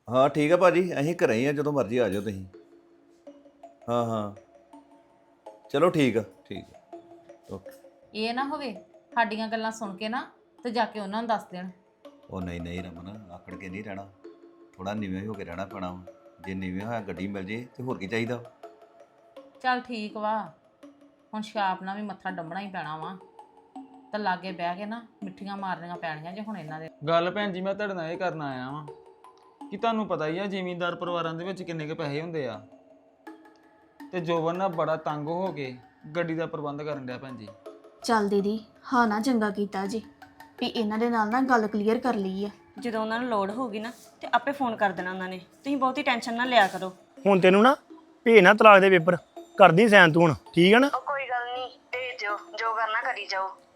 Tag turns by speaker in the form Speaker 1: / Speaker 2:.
Speaker 1: ਹਾਂ ਠੀਕ ਆ ਭਾਜੀ, ਅਸੀਂ ਘਰੇ ਹੀ ਆ, ਜਦੋਂ ਮਰਜ਼ੀ ਆ ਜਾਓ ਤੁਸੀਂ। ਹਾਂ ਹਾਂ ਚਲੋ ਠੀਕ ਆ ਓਕੇ।
Speaker 2: ਇਹ ਨਾ ਹੋਵੇ ਸਾਡੀਆਂ ਗੱਲਾਂ ਸੁਣ ਕੇ ਨਾ ਤੇ ਜਾ ਕੇ ਉਹਨਾਂ ਨੂੰ ਦੱਸ ਦੇਣ।
Speaker 1: ਉਹ ਨਹੀਂ ਨਹੀਂ ਰਮਨ, ਆਕੜ ਕੇ ਨਹੀਂ ਰਹਿਣਾ, ਥੋੜਾ ਨੀਵੇਂ ਹੋ ਕੇ ਰਹਿਣਾ ਪੈਣਾ ਵਾ। ਜੇ ਨੀਵੇਂ ਹੋਇਆ ਗੱਡੀ ਮਿਲ ਜੇ ਤੇ ਹੋਰ ਕੀ ਚਾਹੀਦਾ।
Speaker 2: ਚੱਲ ਠੀਕ ਵਾ, ਹੁਣ ਛਾਪ ਨਾਲ ਵੀ ਮੱਥਾ ਡੰਮਣਾ ਹੀ ਪੈਣਾ ਵਾ, ਤਾਂ ਲਾਗੇ ਬਹਿ ਕੇ ਨਾ ਮਿੱਠੀਆਂ ਮਾਰਨੀਆਂ ਪੈਣੀਆਂ ਜੇ ਹੁਣ ਇਹਨਾਂ ਦੇ।
Speaker 3: ਗੱਲ ਭੈਣ ਜੀ ਮੈਂ ਤੁਹਾਡੇ ਨਾਲ ਇਹ ਕਰਨ ਆਇਆ ਵਾਂ ਕਿ ਤੁਹਾਨੂੰ ਪਤਾ ਹੀ ਆ ਜ਼ਿਮੀਂਦਾਰ ਪਰਿਵਾਰਾਂ ਦੇ ਵਿੱਚ ਕਿੰਨੇ ਕੁ ਪੈਸੇ ਹੁੰਦੇ ਆ, ਤੇ ਜੋਬਨ ਨਾ ਬੜਾ ਤੰਗ ਹੋ ਕੇ ਗੱਡੀ ਦਾ ਪ੍ਰਬੰਧ ਕਰਨ ਡਿਆ ਭੈਣ ਜੀ।
Speaker 4: ਚੱਲ ਦੀਦੀ ਹਾਂ ਨਾ ਚੰਗਾ ਕੀਤਾ ਜੀ ਵੀ ਇਹਨਾਂ ਦੇ ਨਾਲ ਨਾ ਗੱਲ ਕਲੀਅਰ ਕਰ ਲਈ ਆ।
Speaker 5: ਜਦੋਂ ਉਹਨਾਂ ਨੂੰ ਲੋੜ ਹੋਊਗੀ ਨਾ ਤੇ ਆਪੇ ਫੋਨ ਕਰ ਦੇਣਾ ਉਹਨਾਂ ਨੇ, ਤੁਸੀਂ ਬਹੁਤੀ ਟੈਨਸ਼ਨ ਨਾ ਲਿਆ ਕਰੋ।
Speaker 6: ਹੁਣ ਤੈਨੂੰ ਨਾ ਭੇਜਣਾ ਤਲਾਕ ਦੇ ਪੇਪਰ ਕਰਦੀ ਸੈਨ ਤੂੰ ਹੁਣ, ਠੀਕ ਹੈ ਨਾ?
Speaker 5: ਕੋਈ ਗੱਲ ਨਹੀਂ, ਭੇਜ ਦਿਓ, ਜੋ ਕਰਨਾ ਕਰੀ ਜਾਓ।